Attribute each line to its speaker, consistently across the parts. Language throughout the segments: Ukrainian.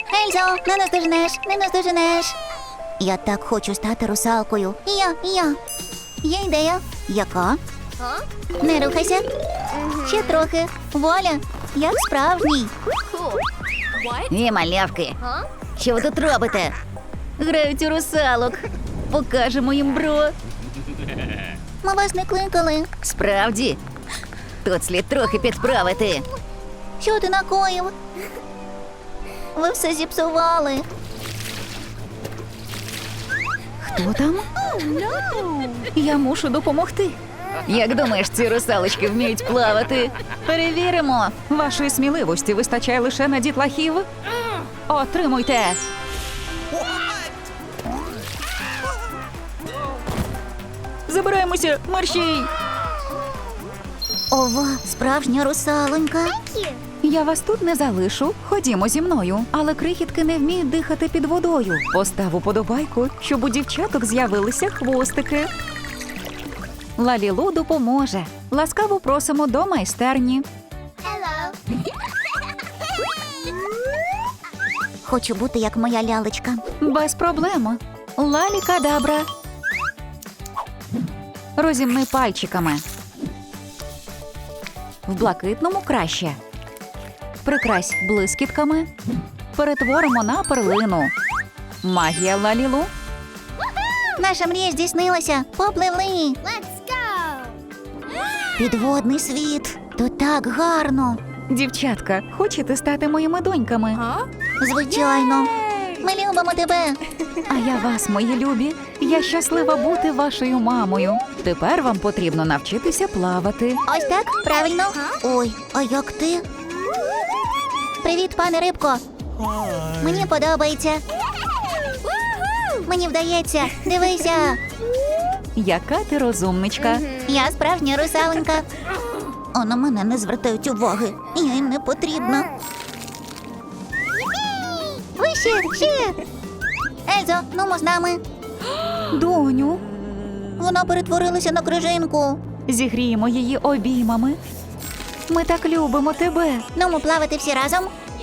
Speaker 1: Ельзо, не наздоженеш, не наздоженеш. Я так хочу стати русалкою. І я. Є ідея. Яка? Не рухайся. Ще трохи. Воля, як справжній. Ні, малявки. Що ви тут робите? Грають у русалок. Покажемо їм, бро. Ми вас не кликали. Справді? Тут слід трохи підправити. Що ти накоїв? Ви все зіпсували. Хто там? Я мушу допомогти. Як думаєш, ці русалочки вміють плавати? Перевіримо.
Speaker 2: Вашої сміливості вистачає лише на дітлахів. Отримуйте. Забираємося, мерщій.
Speaker 1: Ова, справжня русалонька.
Speaker 2: Я вас тут не залишу. Ходімо зі мною. Але крихітки не вміють дихати під водою. Постав уподобайку, щоб у дівчаток з'явилися хвостики. Лалілу допоможе. Ласкаво просимо до майстерні.
Speaker 1: Хочу бути як моя лялечка.
Speaker 2: Без проблем. Лалі-кадабра. Розімни пальчиками. В блакитному краще. Прикрась блискітками. Перетворимо на перлину. Магія Лалілу.
Speaker 1: Наша мрія здійснилася. Попливли. Підводний світ. Тут так гарно.
Speaker 2: Дівчатка, хочете стати моїми доньками?
Speaker 1: Звичайно. Ми любимо тебе.
Speaker 2: А я вас, мої любі. Я щаслива бути вашою мамою. Тепер вам потрібно навчитися плавати.
Speaker 1: Ось так? Правильно? Ой, а як ти? Привіт, пане Рибко. Мені подобається. Мені вдається. Дивися.
Speaker 2: Яка ти розумничка.
Speaker 1: Я справжня русаленька. А на мене не звертають уваги. Я їм не потрібна. Ще. Ельзо, нумо з нами.
Speaker 2: Доню,
Speaker 1: Вона перетворилася на крижинку.
Speaker 2: зігріємо її обіймами. Ми так любимо тебе.
Speaker 1: Нумо плавати всі разом.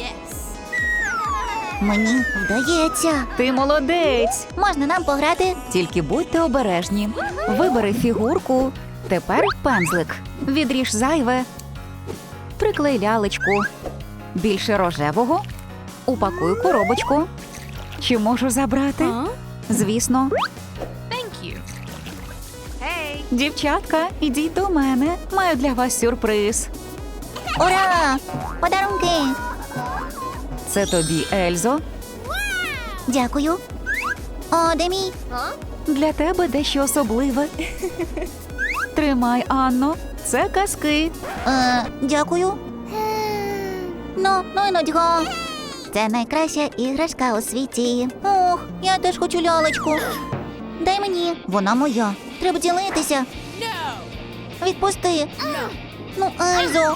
Speaker 1: Мені вдається.
Speaker 2: Ти молодець.
Speaker 1: Можна нам пограти?
Speaker 2: Тільки будьте обережні. Вибери фігурку. Тепер пензлик. Відріж зайве. Приклей лялечку. Більше рожевого. Упакуй коробочку. Чи можу забрати? Звісно. Дівчатка, ідіть до мене. Маю для вас сюрприз.
Speaker 1: Ура! Подарунки!
Speaker 2: Це тобі, Ельзо.
Speaker 1: Дякую. О, де мій?
Speaker 2: Для тебе дещо особливе. Тримай, Анно. Це казки.
Speaker 1: Дякую. Ну й нудьга. Це найкраща іграшка у світі. Ох, я теж хочу лялечку. Дай мені. Вона моя. Треба ділитися. Відпусти. Ну, Ельзо.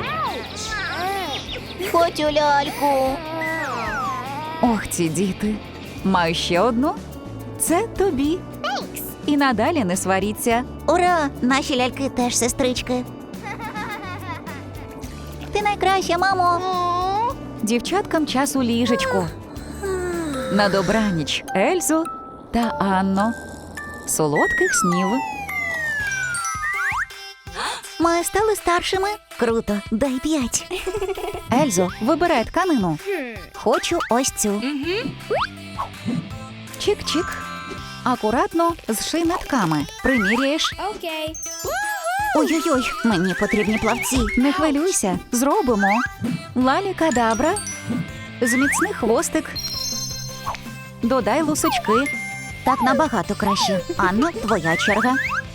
Speaker 1: Хочу ляльку.
Speaker 2: Ох, ці діти. Маю ще одну. Це тобі. І надалі не сваріться.
Speaker 1: Ура! Наші ляльки теж сестрички. Ти найкраща, мамо.
Speaker 2: Дівчаткам час у ліжечку. На добраніч, Ельзо та Анно. Солодких снів.
Speaker 1: Ми стали старшими. Круто, дай 5.
Speaker 2: Ельзо, вибирай тканину.
Speaker 1: Хочу ось цю.
Speaker 2: Чик-чик. Акуратно зший нитками. Приміряєш.
Speaker 1: Ой-ой-ой, мені потрібні плавці.
Speaker 2: Не хвилюйся, зробимо. Лалі-кадабра. Зміцни хвостик. Додай лусочки.
Speaker 1: Так набагато краще. Анно, твоя черга.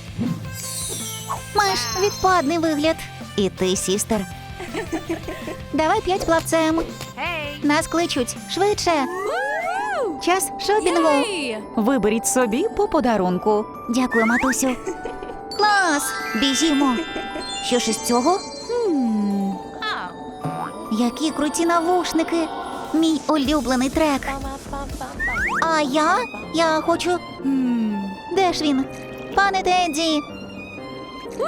Speaker 1: Маєш відпадний вигляд. І ти, сістер. Давай 5 плавцем. Нас кличуть. Швидше. Час шопінгу.
Speaker 2: Виберіть собі по подарунку.
Speaker 1: Дякую, матусю. Клас! Біжімо. Що ж із цього? Які круті навушники. Мій улюблений трек. А я? Я хочу... Де ж він? Пане Тедді!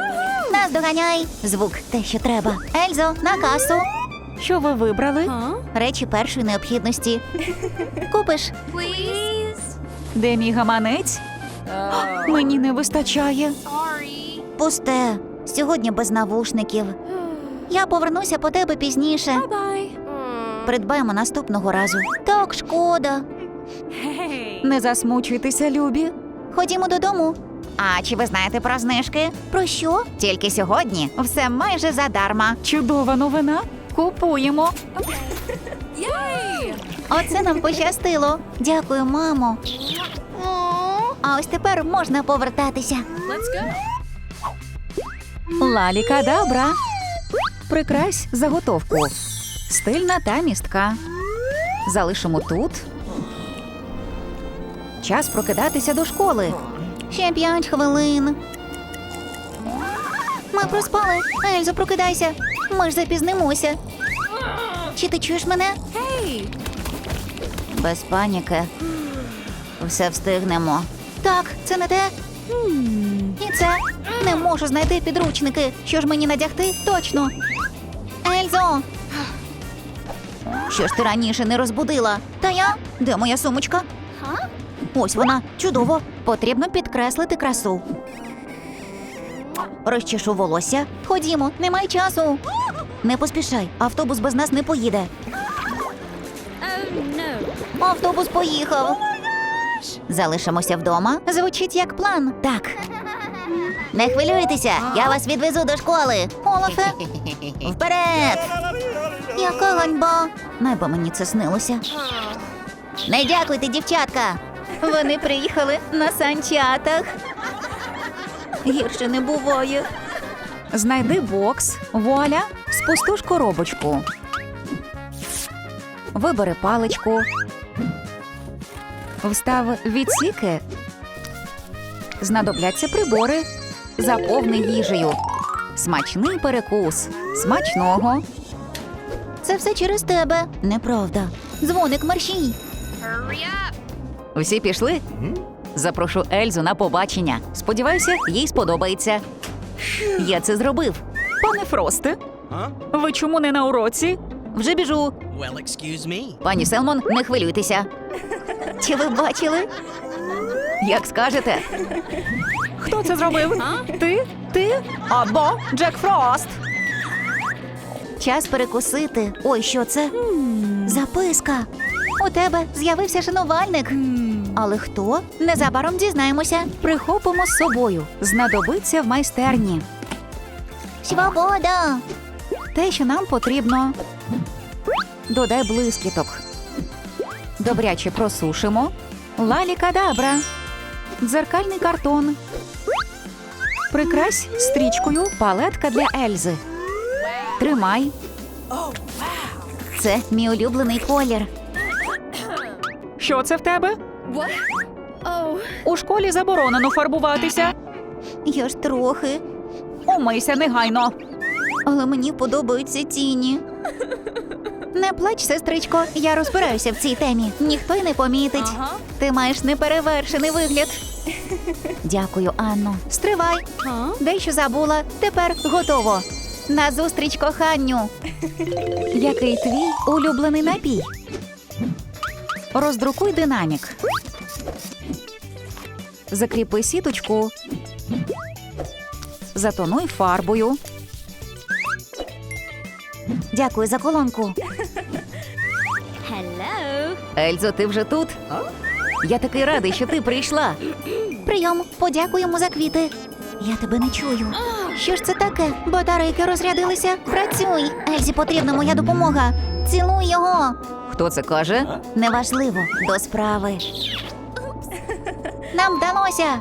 Speaker 1: Нас доганяй! Звук те, що треба. Ельзо, на касу.
Speaker 2: Що ви вибрали?
Speaker 1: Речі першої необхідності. Купиш?
Speaker 2: Де мій гаманець? Мені не вистачає.
Speaker 1: Пусте. Сьогодні без навушників. Я повернуся по тебе пізніше. Придбаємо наступного разу. Так, шкода.
Speaker 2: Не засмучуйтеся, любі.
Speaker 1: Ходімо додому. А чи ви знаєте про знижки? Про що? Тільки сьогодні все майже задарма.
Speaker 2: Чудова новина. Купуємо.
Speaker 1: Оце нам пощастило. Дякую, мамо. А ось тепер можна повертатися.
Speaker 2: Лалікадабра. Прикрась заготовку. Стильна та містка. Залишимо тут. Час прокидатися до школи.
Speaker 1: Ще 5 хвилин. Ми проспали. Ельзо, прокидайся. Ми ж запізнимося. Чи ти чуєш мене? Без паніки. Все встигнемо. Так, це не те. І це. Не можу знайти підручники. Що ж мені надягти? Точно. Ельзо! Що ж ти раніше не розбудила? Та я? Де моя сумочка? Ось вона. Чудово. Потрібно підкреслити красу. Розчешу волосся. Ходімо, немає часу. Не поспішай, автобус без нас не поїде. Автобус поїхав. Залишимося вдома. Звучить як план. Так. Не хвилюйтеся, я вас відвезу до школи. Олафе, вперед! Яка ганьба. Найбо мені це снилося. Не дякуйте, дівчатка. Вони приїхали на санчатах. Гірше не буває.
Speaker 2: Знайди бокс, вуаля, спустуш коробочку. Вибери паличку. Встав відсіки. Знадобляться прибори. Заповни їжею. Смачний перекус. Смачного.
Speaker 1: Це все через тебе. Неправда. Дзвоник мерщій.
Speaker 2: Усі пішли? Запрошу Ельзу на побачення. Сподіваюся, їй сподобається. Я це зробив. Пане Фросте, ви чому не на уроці?
Speaker 1: Вже біжу.
Speaker 3: Well, excuse me.
Speaker 1: Пані Селмон, не хвилюйтеся. Чи ви бачили?
Speaker 2: Як скажете. Хто це зробив? Ти? Ти? Або Джек Фрост?
Speaker 1: Час перекусити. Ой, що це? Записка. У тебе з'явився шанувальник. Але хто? Незабаром дізнаємося.
Speaker 2: Прихопимо з собою. Знадобиться в майстерні.
Speaker 1: Свобода!
Speaker 2: Те, що нам потрібно. Додай блискіток. Добряче просушимо. Лалікадабра. Дзеркальний картон. Прикрась стрічкою палетка для Ельзи. Тримай.
Speaker 1: Це мій улюблений колір.
Speaker 2: Що це в тебе? У школі заборонено фарбуватися.
Speaker 1: Я ж трохи.
Speaker 2: Умийся негайно.
Speaker 1: Але мені подобаються тіні. Не плач, сестричко, я розбираюся в цій темі. Ніхто й не помітить. Ти маєш неперевершений вигляд. Дякую, Анно. Стривай. Дещо забула. Тепер готово. Назустріч коханню.
Speaker 2: Який твій улюблений напій? Роздрукуй динамік. Закріпи сіточку. Затонуй фарбою.
Speaker 1: Дякую за колонку.
Speaker 2: Ельзо, ти вже тут? Я такий радий, що ти прийшла.
Speaker 1: Прийом, подякуємо за квіти. Я тебе не чую. Що ж це таке? Батарейки розрядилися. Працюй. Ельзі потрібна моя допомога. Цілуй його.
Speaker 2: Хто це каже?
Speaker 1: Неважливо. До справи. Нам вдалося.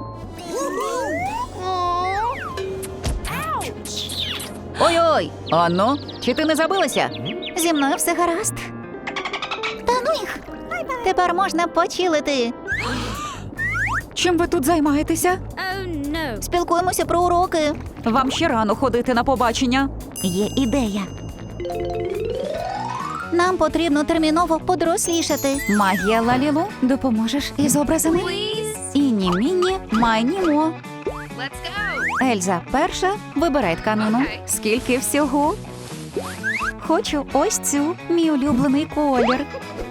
Speaker 2: Ой-ой! Анно, чи ти не забилася?
Speaker 1: Зі мною все гаразд. Та ну їх. Тепер можна почилити.
Speaker 2: Чим ви тут займаєтеся?
Speaker 1: Спілкуємося про уроки.
Speaker 2: Вам ще рано ходити на побачення.
Speaker 1: Є ідея. Нам потрібно терміново подорослішати.
Speaker 2: Магія Лалілу, допоможеш із образами? Іні-міні, майнімо. Ельза, перша, вибирай тканину. Скільки всього? Хочу ось цю, мій улюблений колір.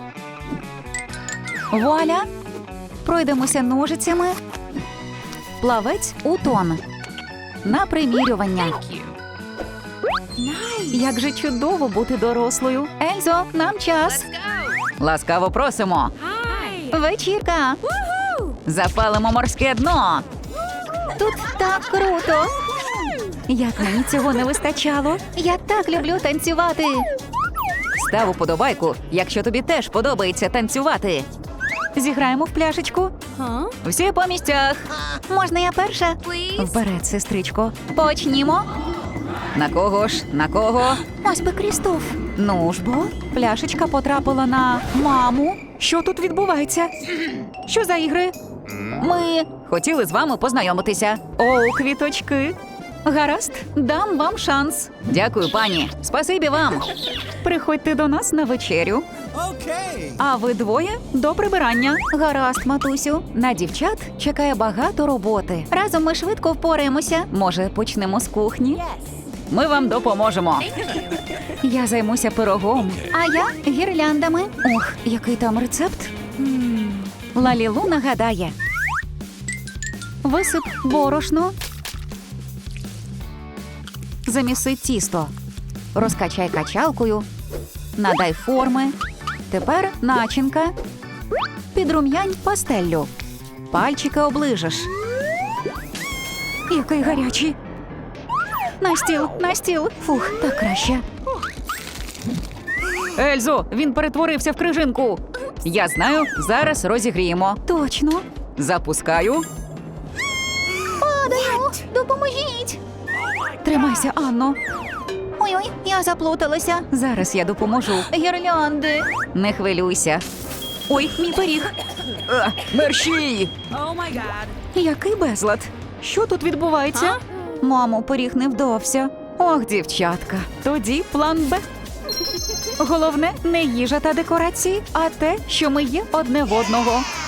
Speaker 2: Вуаля! Пройдемося ножицями. Плавець у тон. На примірювання. Як же чудово бути дорослою. Ельзо, нам час. Ласкаво просимо. Вечірка. Запалимо морське дно.
Speaker 1: Тут так круто.
Speaker 2: Як мені цього не вистачало.
Speaker 1: Я так люблю танцювати.
Speaker 2: Став уподобайку, якщо тобі теж подобається танцювати. Зіграємо в пляшечку. Всі по місцях.
Speaker 1: Можна я перша?
Speaker 2: Вперед, сестричко. Почнімо. На кого ж? На кого?
Speaker 1: Ось би Крістоф.
Speaker 2: Ну ж бо, пляшечка потрапила на маму. Що тут відбувається? Що за ігри? Ми хотіли з вами познайомитися. О, квіточки. Гаразд, дам вам шанс. Дякую, пані. Спасибі вам. Приходьте до нас на вечерю. А ви двоє до прибирання.
Speaker 1: Гаразд, матусю.
Speaker 2: На дівчат чекає багато роботи.
Speaker 1: Разом ми швидко впораємося.
Speaker 2: Може, почнемо з кухні? Ми вам допоможемо. Я займуся пирогом.
Speaker 1: А я гірляндами.
Speaker 2: Ох, який там рецепт? Лалілу нагадає. Висип борошно. Заміси тісто. Розкачай качалкою. Надай форми. Тепер начинка. Підрум'янь пастеллю. Пальчики оближеш. Який гарячий. На стіл, на стіл. Фух, так краще. Ельзо, він перетворився в крижинку. Я знаю, зараз розігріємо. Точно. Запускаю.
Speaker 1: Падаю. Допоможіть.
Speaker 2: Тримайся, Анно.
Speaker 1: Ой-ой, я заплуталася.
Speaker 2: Зараз я допоможу.
Speaker 1: Гірлянди.
Speaker 2: Не хвилюйся. Ой, мій пиріг. Мерщій! Який безлад. Що тут відбувається? Мамо, пиріг не вдався. Ох, дівчатка. Тоді план Б. Головне не їжа та декорації, а те, що ми є одне в одного.